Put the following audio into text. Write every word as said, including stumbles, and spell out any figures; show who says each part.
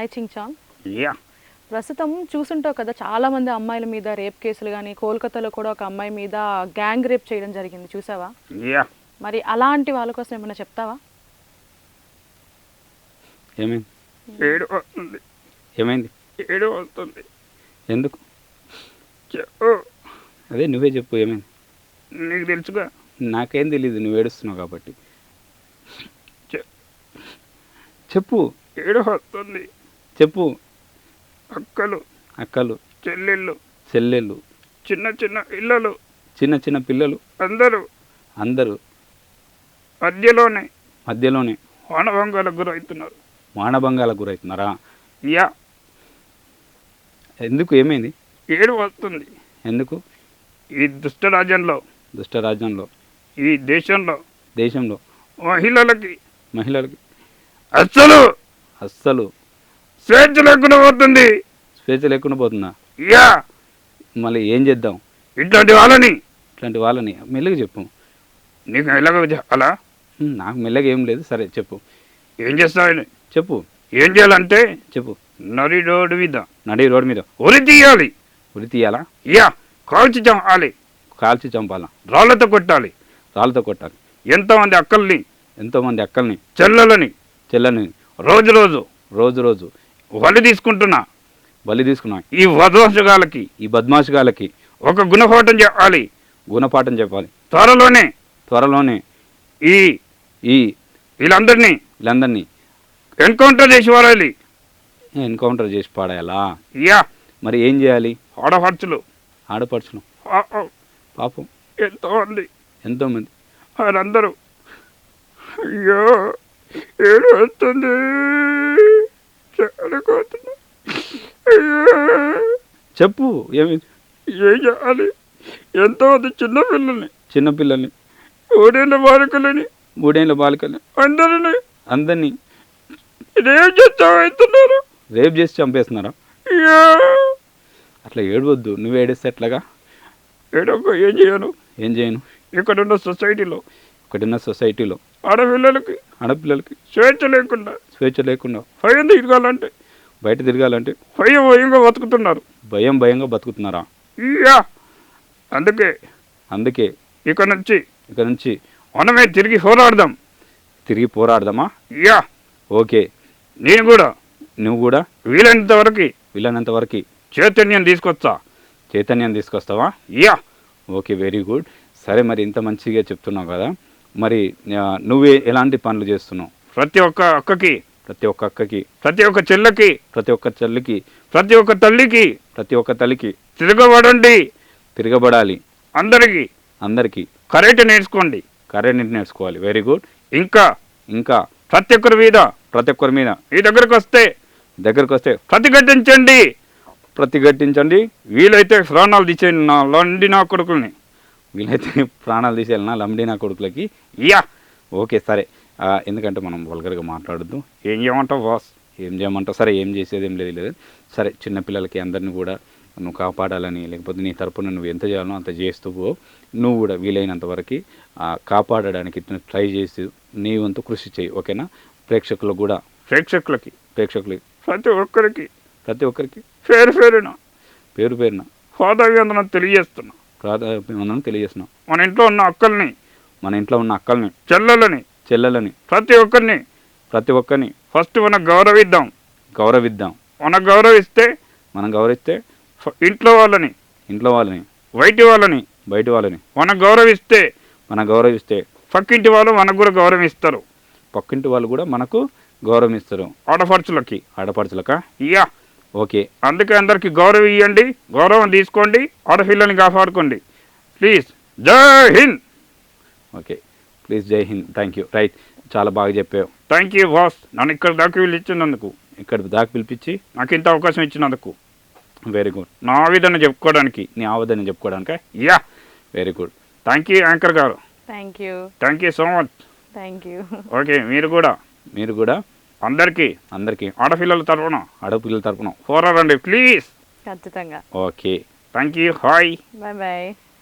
Speaker 1: Hi చింగ్చాంగ్.
Speaker 2: Yeah
Speaker 1: ప్రస్తుతం చూసుంటావు కదా, చాలా మంది అమ్మాయిల మీద రేప్ కేసులు కానీ, కోల్కతాలో కూడా ఒక అమ్మాయి మీద గ్యాంగ్ రేప్ చేయడం జరిగింది, చూసావా?
Speaker 2: యా
Speaker 1: మరి అలాంటి వాళ్ళ కోసం ఏమైనా చెప్తావా?
Speaker 3: ఏమైంది
Speaker 2: ఏడు వస్తుంది
Speaker 3: ఏమైంది
Speaker 2: ఏడు వస్తుంది
Speaker 3: ఎందుకు?
Speaker 2: చెప్పు.
Speaker 3: అదే నువ్వే చెప్పు ఏమైంది.
Speaker 2: నీకు తెలుసుగా.
Speaker 3: నాకేం తెలీదు, నువ్వు ఏడుస్తున్నావు కాబట్టి
Speaker 2: చె-
Speaker 3: చెప్పు
Speaker 2: ఏడు వస్తుంది.
Speaker 3: చెప్పు.
Speaker 2: అక్కలు,
Speaker 3: అక్కలు,
Speaker 2: చెల్లెళ్ళు,
Speaker 3: చెల్లెళ్ళు,
Speaker 2: చిన్న చిన్న ఇళ్ళలు,
Speaker 3: చిన్న చిన్న పిల్లలు
Speaker 2: అందరూ
Speaker 3: అందరూ
Speaker 2: మధ్యలోనే
Speaker 3: మధ్యలోనే
Speaker 2: వానభంగాలకు గురవుతున్నారు.
Speaker 3: మానభంగాలకు గురవుతున్నారా?
Speaker 2: యా
Speaker 3: ఎందుకు ఏమైంది?
Speaker 2: ఏడు వస్తుంది.
Speaker 3: ఎందుకు?
Speaker 2: ఈ దుష్టరాజ్యంలో,
Speaker 3: దుష్టరాజ్యంలో,
Speaker 2: ఈ దేశంలో
Speaker 3: దేశంలో
Speaker 2: మహిళలకి
Speaker 3: మహిళలకి
Speaker 2: అస్సలు
Speaker 3: అస్సలు
Speaker 2: స్వేచ్ఛ లేకుండా పోతుంది.
Speaker 3: స్వేచ్ఛ లేకుండా పోతుందా?
Speaker 2: యా
Speaker 3: మళ్ళీ ఏం చేద్దాం?
Speaker 2: ఇట్లాంటి వాళ్ళని
Speaker 3: ఇట్లాంటి వాళ్ళని మెల్లగా చెప్పు.
Speaker 2: నీకు ఎలాగ అలా
Speaker 3: హ్మ్, నాకు మెల్లగా ఏం లేదు, సరే చెప్పు.
Speaker 2: ఏం చేస్తావని
Speaker 3: చెప్పు
Speaker 2: ఏం చేయాలంటే
Speaker 3: చెప్పు.
Speaker 2: నడి రోడ్డు మీద
Speaker 3: నడి రోడ్డు మీద
Speaker 2: ఉరి తీయాలి.
Speaker 3: ఉరి తీయాలా?
Speaker 2: యా కాల్చి చంపాలి.
Speaker 3: కాల్చి చంపాలా?
Speaker 2: రాళ్లతో కొట్టాలి.
Speaker 3: రాళ్ళతో కొట్టాలి.
Speaker 2: ఎంతోమంది అక్కల్ని,
Speaker 3: ఎంతోమంది అక్కల్ని,
Speaker 2: చెల్లెలని
Speaker 3: చెల్లని
Speaker 2: రోజు రోజు
Speaker 3: రోజు రోజు
Speaker 2: బలి తీసుకుంటున్నా
Speaker 3: బలి తీసుకున్నా
Speaker 2: ఈ వధోషగాలకి
Speaker 3: ఈ బద్మాషుగాలకి
Speaker 2: ఒక గుణపాఠం చెప్పాలి.
Speaker 3: గుణపాఠం చెప్పాలి.
Speaker 2: త్వరలోనే
Speaker 3: త్వరలోనే
Speaker 2: ఈ
Speaker 3: ఈ
Speaker 2: వీళ్ళందరినీ
Speaker 3: వీళ్ళందరినీ
Speaker 2: ఎన్కౌంటర్ చేసి వారాలి.
Speaker 3: ఎన్కౌంటర్ చేసి పాడేయాలా?
Speaker 2: యా
Speaker 3: మరి ఏం చేయాలి?
Speaker 2: ఆడపడుచులు
Speaker 3: ఆడపడుచును
Speaker 2: పాపం
Speaker 3: పాపం
Speaker 2: ఎంతోమంది,
Speaker 3: ఎంతోమంది
Speaker 2: వారందరూ అయ్యో ఏడు వస్తుంది చనిపోతున్నా. అయ్యో
Speaker 3: చెప్పు ఏమైంది?
Speaker 2: ఏం చేయాలి? ఎంతోమంది చిన్నపిల్లల్ని,
Speaker 3: చిన్నపిల్లల్ని,
Speaker 2: ఊరేళ్ళ బాలికలని,
Speaker 3: మూడేళ్ళ బాలికల్ని
Speaker 2: అందరినీ
Speaker 3: అందరినీ
Speaker 2: ఇదేం చేస్తావుతున్నారు.
Speaker 3: రేప్ చేసి చంపేస్తున్నారా?
Speaker 2: అయ్యో
Speaker 3: అట్లా ఏడవద్దు. నువ్వు ఏడిస్తే ఎట్లాగా?
Speaker 2: ఏడొక్క ఏం చేయను.
Speaker 3: ఏం చేయను?
Speaker 2: ఇక్కడున్న సొసైటీలో
Speaker 3: ఒకటిన్న సొసైటీలో
Speaker 2: ఆడపిల్లలకి
Speaker 3: ఆడపిల్లలకి
Speaker 2: స్వేచ్ఛ లేకుండా
Speaker 3: స్వేచ్ఛ లేకుండా
Speaker 2: భయం తిరగాలంటే
Speaker 3: బయట తిరగాలంటే
Speaker 2: భయం భయంగా బతుకుతున్నారు.
Speaker 3: భయం భయంగా బతుకుతున్నారా?
Speaker 2: ఇయ్యా అందుకే
Speaker 3: అందుకే
Speaker 2: ఇక నుంచి
Speaker 3: ఇక నుంచి
Speaker 2: మనమే తిరిగి పోరాడదాం.
Speaker 3: తిరిగి పోరాడదామా?
Speaker 2: Yeah
Speaker 3: okay.
Speaker 2: నేను కూడా
Speaker 3: నువ్వు కూడా
Speaker 2: వీలైనంత వరకు
Speaker 3: వీలైనంత వరకు
Speaker 2: చైతన్యం తీసుకొస్తా.
Speaker 3: చైతన్యం తీసుకొస్తావా?
Speaker 2: Yeah
Speaker 3: okay, very good. సరే, మరి ఇంత మంచిగా చెప్తున్నావు కదా, మరి ఆ, నువ్వే ఎలాంటి పనులు చేస్తున్నావు?
Speaker 2: ప్రతి ఒక్క అక్కకి,
Speaker 3: ప్రతి ఒక్క అక్కకి,
Speaker 2: ప్రతి ఒక్క చెల్లెకి,
Speaker 3: ప్రతి ఒక్క చెల్లికి,
Speaker 2: ప్రతి ఒక్క తల్లికి
Speaker 3: ప్రతి ఒక్క తల్లికి
Speaker 2: తిరగబడండి.
Speaker 3: తిరగబడాలి.
Speaker 2: అందరికీ
Speaker 3: అందరికీ
Speaker 2: కరెక్ట్ నేర్చుకోండి.
Speaker 3: కరెంట్ నేర్చుకోవాలి. Very good.
Speaker 2: ఇంకా
Speaker 3: ఇంకా
Speaker 2: ప్రతి ఒక్కరి మీద
Speaker 3: ప్రతి ఒక్కరి మీద
Speaker 2: ఈ దగ్గరకు వస్తే
Speaker 3: దగ్గరకు వస్తే
Speaker 2: ప్రతిఘటించండి.
Speaker 3: ప్రతిఘటించండి.
Speaker 2: వీలైతే ప్రాణాలు తీసేయండి నా లండి నా కొడుకుల్ని.
Speaker 3: వీలైతే ప్రాణాలు తీసేయాలన్నా లంబడి నా కొడుకులకి.
Speaker 2: యా
Speaker 3: ఓకే, సరే. ఆ, ఎందుకంటే మనం వల్గర్గా మాట్లాడద్దు.
Speaker 2: ఏం చేయమంటావు బాస్?
Speaker 3: ఏం చేయమంటావు? సరే, ఏం చేసేది ఏం లేదు లేదు సరే, చిన్నపిల్లలకి అందరినీ కూడా నువ్వు కాపాడాలని, లేకపోతే నీ తరపున నువ్వు ఎంత చేయాలో అంత చేస్తూ పో. నువ్వు కూడా వీలైనంత వరకు కాపాడడానికి ట్రై చేసి నీ వంతు కృషి చేయి. ఓకేనా? ప్రేక్షకులకు కూడా,
Speaker 2: ప్రేక్షకులకి,
Speaker 3: ప్రేక్షకులకి
Speaker 2: ప్రతి ఒక్కరికి
Speaker 3: ప్రతి ఒక్కరికి
Speaker 2: పేరు పేరున
Speaker 3: పేరు పేరున
Speaker 2: పాదాభివందనం తెలియజేస్తున్నా.
Speaker 3: ప్రాధాన్యం తెలియజేస్తున్నాం.
Speaker 2: మన ఇంట్లో ఉన్న అక్కల్ని,
Speaker 3: మన ఇంట్లో ఉన్న అక్కల్ని,
Speaker 2: చెల్లెలని,
Speaker 3: చెల్లెలని,
Speaker 2: ప్రతి ఒక్కరిని
Speaker 3: ప్రతి ఒక్కరిని
Speaker 2: ఫస్ట్ మనం గౌరవిద్దాం.
Speaker 3: గౌరవిద్దాం.
Speaker 2: మనం గౌరవిస్తే
Speaker 3: మనం గౌరవిస్తే
Speaker 2: ఫ- ఇంట్లో వాళ్ళని,
Speaker 3: ఇంట్లో వాళ్ళని,
Speaker 2: బయటి వాళ్ళని
Speaker 3: బయట వాళ్ళని
Speaker 2: మనం గౌరవిస్తే
Speaker 3: మనం గౌరవిస్తే
Speaker 2: పక్కింటి వాళ్ళు మనకు కూడా గౌరవం ఇస్తారు.
Speaker 3: పక్కింటి వాళ్ళు కూడా మనకు గౌరవం ఇస్తారు.
Speaker 2: ఆడపడుచులకి.
Speaker 3: ఆడపడుచులక.
Speaker 2: Yeah
Speaker 3: okay.
Speaker 2: అందుకే అందరికీ గౌరవం ఇవ్వండి, గౌరవం తీసుకోండి, ఆడపిల్లల్ని కాపాడుకోండి. ప్లీజ్. జై హింద్.
Speaker 3: Okay, please. జై హింద్. Thank you. రైట్, చాలా బాగా చెప్పావు.
Speaker 2: థ్యాంక్ యూ బాస్, నన్ను ఇక్కడ దాకా వీళ్ళు ఇచ్చినందుకు,
Speaker 3: ఇక్కడ దాకా పిలిపించి
Speaker 2: నాకు ఇంత అవకాశం ఇచ్చినందుకు,
Speaker 3: వెరీ గుడ్.
Speaker 2: నా ఆవేదన చెప్పుకోవడానికి.
Speaker 3: నీ ఆవదని చెప్పుకోవడానిక.
Speaker 2: Yeah
Speaker 3: very good.
Speaker 2: Thank you anchor గారు.
Speaker 1: Thank you.
Speaker 2: Thank you so much.
Speaker 1: Thank you.
Speaker 2: Okay, మీరు కూడా
Speaker 3: మీరు కూడా
Speaker 2: అందరికీ
Speaker 3: అందరికీ
Speaker 2: ఆడపిల్లల తరఫున
Speaker 3: ఆడపిల్లల తరపున
Speaker 2: పోరాడండి ప్లీజ్.
Speaker 1: ఖచ్చితంగా.
Speaker 3: Okay.
Speaker 2: Thank you. Hi.
Speaker 1: Bye bye.